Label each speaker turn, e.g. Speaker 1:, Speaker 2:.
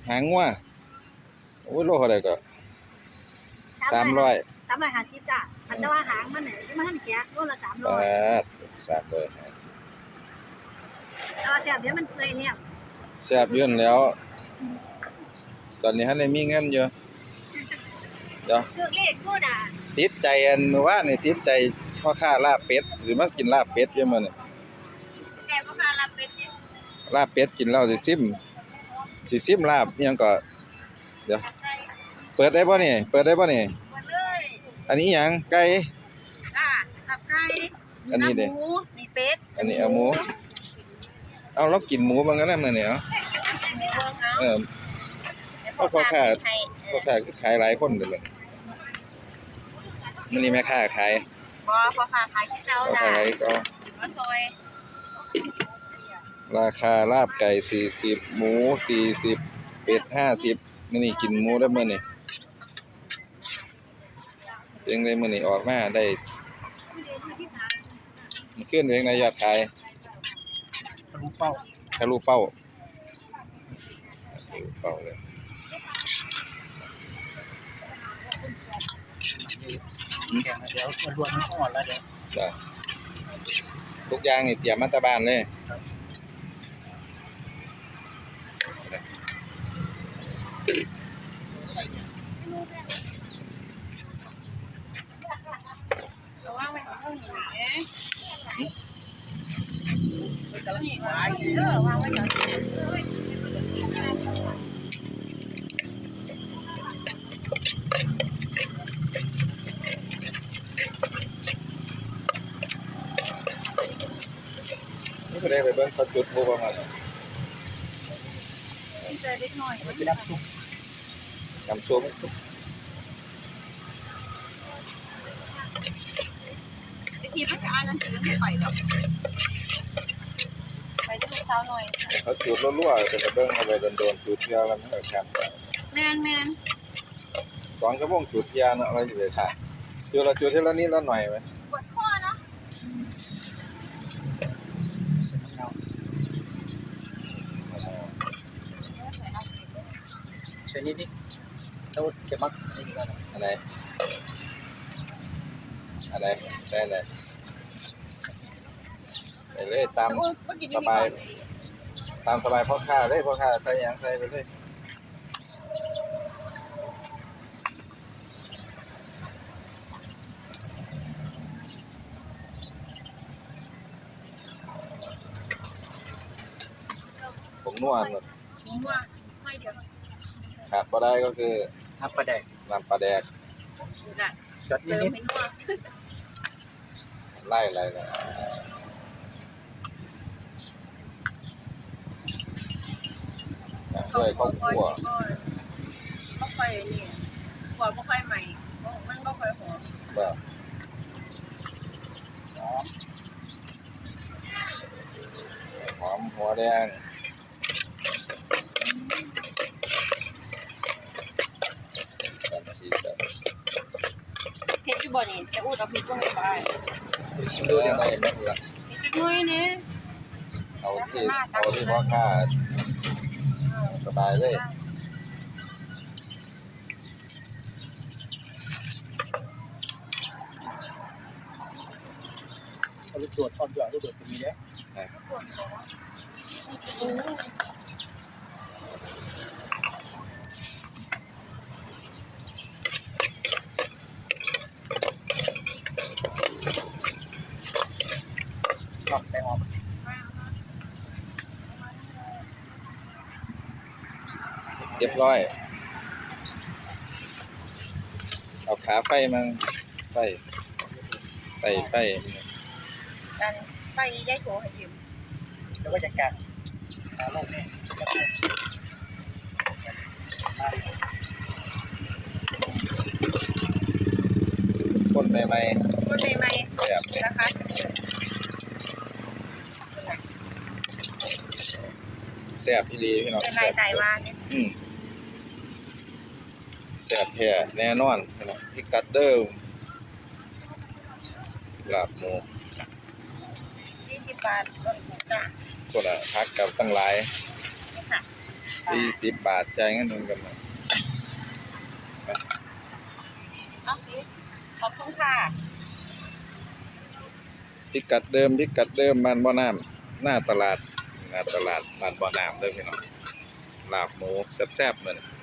Speaker 1: หางงัวโอ้ยโลเท่าไหร่ก็300
Speaker 2: 350จ้ะอันแต่ว่าหางมันเนี่ยมันแก่โลละ300
Speaker 1: 300
Speaker 2: แซ่บเดี๋ยวมันเปื่อยเนี่ย
Speaker 1: แซ่บยื่นแล้ว ตอนนี้ท่านได้มีเงินอยู่เดี๋ยว
Speaker 2: คือเลขนู่นน่ะ
Speaker 1: ติดใจอันว่านี่ติดใจพ่อค้าลาบเป็ดสิมากินลาบเป็ดอยู่มื้อนี้
Speaker 2: แต่พ่อค้ารับเป็ดเนี่ย
Speaker 1: ลาบเป็ดกินแล้วสิซิมลาบอิหยังก็เดี๋ยวเปิดได้บ่นี่เปิดได้บ่นี่
Speaker 2: หมดเลย
Speaker 1: อันนี้หยังไก่
Speaker 2: จ้าตับไก่
Speaker 1: อันนี้ดิ
Speaker 2: หมูมีเป็ด
Speaker 1: อันนี้เอาหมูเอาเรากินหมูมันก็นำมื้อนี้เนาะ
Speaker 2: มีเบิ่งเอา
Speaker 1: เออ พ่อค้าคือขายหลายคนเด้อบัดมื้อนี้แม่ค้าขาย
Speaker 2: บ่พ่อค้าขายที่เจ้า
Speaker 1: พ่อ
Speaker 2: จ้า
Speaker 1: ค้าขายก็
Speaker 2: มาซอย
Speaker 1: ราคาลาบไก่40หมู40เป็ด50มื้อนี้กินหมูได้มื้อนี้เองได้มื้อนี้ออกมาได้ขึ้นเองในยอดขาย
Speaker 3: รู้เป้า
Speaker 1: ทะลุเป้าทะลุเป้าเลย
Speaker 3: แข่งเดี๋ยวรวนมันอ่อนแล้วเดี๋ยว
Speaker 1: จ้ะทุกอย่างนี่เตรียมมาแตะบ้านเลยนี่ก็ได้ไปเบิ่งเขาจุดพลุประมาณ
Speaker 2: เจอเล็กน้อย
Speaker 3: ไปรับซุป
Speaker 1: น้ำส้ม
Speaker 2: ไอ้ทีมันจะอ่านหนังสือไม่ไปหรอกไปที่ลูกสาวหน่อย
Speaker 1: เขาจุดรั่วๆจะไปเบิ่งเอาไปโดนๆจุดเดียวแล้วมันก็แคบ
Speaker 2: แมน
Speaker 1: 2ชั่วโมงจุดยาเนาะอะไรสิไปถ่ายจุดละจุดเท่าละนิดละหน่อยไหม
Speaker 2: ปวดข้อเนาะ
Speaker 3: เส้นเงาเส้นนิดแล้วเก็บมักนี่ดีกว่า
Speaker 1: อันไหนใช่ไหนไปเลยตาม
Speaker 2: เมื่อกี้
Speaker 1: ส
Speaker 2: นี่
Speaker 1: บายตามสบายพ่อค้าเลยพ่อค้าใส่หยังใส่ไปเลยผมนวด
Speaker 2: ผมว่าไม่เดี๋ยว
Speaker 1: ขาดบ่ได้ก็คือ
Speaker 3: ทับปลาแดก
Speaker 1: น้ำปลาแดก
Speaker 2: น่ะ
Speaker 3: จอด
Speaker 2: เสริม
Speaker 3: นิด
Speaker 2: ให้นัว
Speaker 1: ไล่อะไรนะด้วยข้าวคั่ว
Speaker 2: บ่ค่อยนี่กว่าบ่ค่อยใหม่มันบ่ค่อยหอม
Speaker 1: แบบ หอมหัวแดง3 นาที
Speaker 2: เผ็ดอยู่บ่นี่จะอูดเอาพริกลงไป
Speaker 1: ดูยังไงไม่รู้ละ
Speaker 2: เผ็ดน้อยนี่
Speaker 1: เอาที่พ่อค้าสบายเลย
Speaker 3: เอาลูกตรวจความด่วนลูกตรวจตรงนี้เนี่ยหลับใจออก
Speaker 1: เรียบร้อยเอาขาไฟมาไฟ
Speaker 2: กันไปยายโถให้ยืม
Speaker 3: แล้วก็จะกัดตาโลกนี่
Speaker 1: คนใหม่
Speaker 2: คนใหม่
Speaker 1: ๆแบบนี้
Speaker 2: ๆนะคะ
Speaker 1: แซ่บอีหลีพี่น้อง
Speaker 2: เป็น
Speaker 1: แซ่
Speaker 2: ลาย
Speaker 1: บ
Speaker 2: ไตว่าเนี่ย
Speaker 1: แซ่บแท้แน่นอนพี่น้องพิกัดเดิมลาบหมู
Speaker 2: 40 บาทลดจ้ะ
Speaker 1: คนละพักกับตั้งหลาย
Speaker 2: นี่ค่ะ
Speaker 1: 40 บาทจ่ายเงินเงินกันมา
Speaker 2: เอาสิขอบคุณค่ะ
Speaker 1: พิกัดเดิมบ้านบ่อน้ำหน้าตลาดบ้านบ่อน้ำเด้อพี่น้องลาบหมูแซ่บๆเหมือน